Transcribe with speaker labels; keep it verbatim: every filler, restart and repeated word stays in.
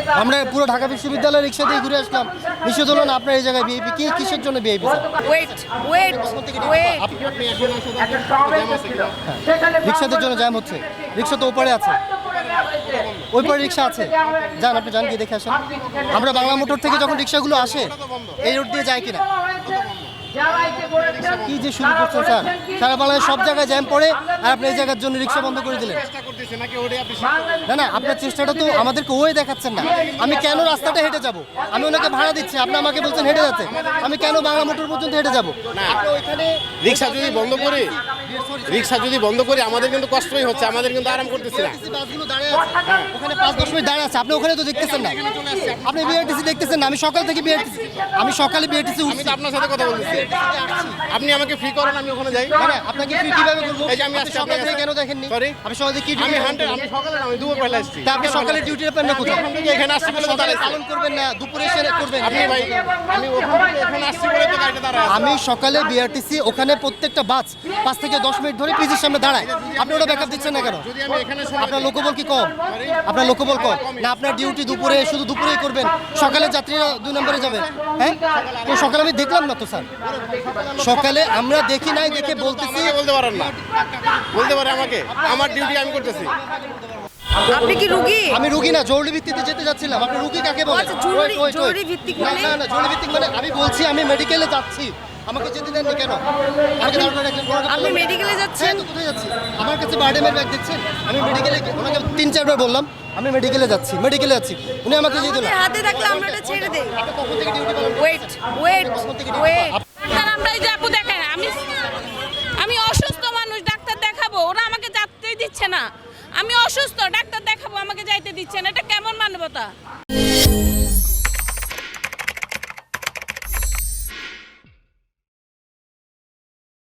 Speaker 1: আমরা পুরো ঢাকা বিশ্ববিদ্যালয় রিক্সা দিয়ে ঘুরে আসলাম, নিষেধ হলো না আপনার এই জায়গায় ভিআইপি কি কিসের জন্য ভিআইপি?
Speaker 2: ওয়েট ওয়েট ওয়েট
Speaker 1: রিক্সাদের জন্য জ্যাম হচ্ছে, রিক্সা তো ওপারে আছে, ওই পারে রিক্সা আছে, যান আপনি যান গিয়ে দেখে আসেন। আমরা বাংলা মোটর থেকে যখন রিক্সাগুলো আসে এই রোড দিয়ে যায় কিনা, কি যে শুরু করছেন স্যার, সারা বাংলায় সব জায়গায় জ্যাম পড়ে আর আপনি এই জায়গার জন্য রিক্সা বন্ধ করে দিলেন। না না আপনার চেষ্টাটা তো আমাদেরকে ওই দেখাচ্ছেন না। আমি কেন রাস্তাটা হেঁটে যাব? আমি ওনাকে ভাড়া দিচ্ছি, আপনি আমাকে বলছেন হেঁটে যাচ্ছে, আমি কেন বাংলা মোটর পর্যন্ত হেঁটে যাব? ওইখানে
Speaker 3: রিক্সা যদি বন্ধ করে রিক্সা যদি বন্ধ করে আমাদের কিন্তু কষ্টই হচ্ছে, আমাদের কিন্তু আরাম করতেছি না।
Speaker 1: বাসগুলো দাঁড়িয়ে আছে ওখানে, পাঁচ দশ মিনিট দাঁড়িয়ে আছে, আপনি ওখানে তো দেখতেছেন না, আপনি বিআরটিসি দেখতেছেন না। আমি সকাল থেকে বিআরটিসি আমি সকালে বিআরটিসি
Speaker 3: আমি তো আপনার সাথে কথা বলতেছি, আপনি আমাকে ফ্রি করেন, আমি ওখানে যাই।
Speaker 1: না আপনাকে ফ্রি কিভাবে করব?
Speaker 3: এই যে আমি
Speaker 1: আপনি
Speaker 3: আজকে
Speaker 1: সকাল
Speaker 3: আপনার
Speaker 1: থেকে
Speaker 3: কাছে-
Speaker 1: কেন দেখেননি?
Speaker 3: Sorry?
Speaker 1: আমি সকালে কি
Speaker 3: আমি হান্ড্রেড আমি সকালে না, আমি দুপুর বেলা আসছি।
Speaker 1: তা আপনি সকালে ডিউটিটা পান না কোথায়?
Speaker 3: ওখান থেকে এখানে আসছি বলে তো
Speaker 1: সকালে
Speaker 3: দাঁড়াইছি।
Speaker 1: পালন করবেন না, দুপুরে এসে করবেন।
Speaker 3: আপনি ভাই আমি ওখান থেকে এখানে আসছি বলে তো গাড়িটা দাঁড়ায় আছে।
Speaker 1: আমি সকালে বিআরটিসি ওখানে প্রত্যেকটা বাস পাঁচ থেকে দশ মিনিট ধরে পিজির সামনে দাঁড়ায়, আপনি ওটা ব্যাকআপ দিচ্ছেন না কেন?
Speaker 3: যদি আমি এখানে সময়
Speaker 1: আপনার লোকবল কি কম? আপনার লোকবল কম না? আপনার ডিউটি দুপুরে, শুধু দুপুরেই করবেন, সকালে যাত্রীরা দুই নম্বরে যাবেন। হ্যাঁ তো সকালে আমি দেখলাম না তো স্যার, সকালে আমরা দেখি নাই দেখে বলতেছি।
Speaker 3: আমাকে বলতে পারেন না, বলতে পারে আমাকে, আমার ডিউটি আমি করতেছি।
Speaker 2: আপনি কি রুগী?
Speaker 1: আমি রুগী না, জরুরি ভিত্তিতে যেতে যাচ্ছিলাম। আপনি রুগী কাকে বলেন?
Speaker 2: আচ্ছা, জরুরি-
Speaker 1: Wait, wait, wait.
Speaker 2: জরুরি ভিত্তিক
Speaker 1: না
Speaker 2: মানে?
Speaker 1: না না জরুরি ভিত্তিক মানে আমি বলছি আমি মেডিকেলে যাচ্ছি, আমাকে যেতে দেননি কেন? আমাকে দাঁড় করে রাখলেন, বড় কথা
Speaker 2: আপনি
Speaker 1: বললেন।
Speaker 2: মেডিকেলে যাচ্ছেন?
Speaker 1: হ্যাঁ, তো কোথায় যাচ্ছি? আমার কাছে বার্ডেমের ব্যাগ দেখছেন, আমি মেডিকেলে ওনাকে তিন চারবার বললাম আমি মেডিকেলে যাচ্ছি, মেডিকেলে যাচ্ছি, উনি আমাকে যেতে
Speaker 2: আমাদের
Speaker 1: দিলেন।
Speaker 2: হাতে থাকলে আমরা এটা ছেড়ে দেই।
Speaker 1: আপনি কখন থেকে ডিউটি পালন করছেন?
Speaker 2: ওয়েট ওয়েট ওয়েট
Speaker 4: ডাক্তার আমরা এই যে আপু দেখেন, আমি আমি অসুস্থ মানুষ, ডাক্তার দেখাবো, ওরা আমাকে যেতেই দিচ্ছে না। আমি অসুস্থ, ডাক্তার দেখাবো, আমাকে যাইতে দিচ্ছে না, এটা কেমন মানবতা?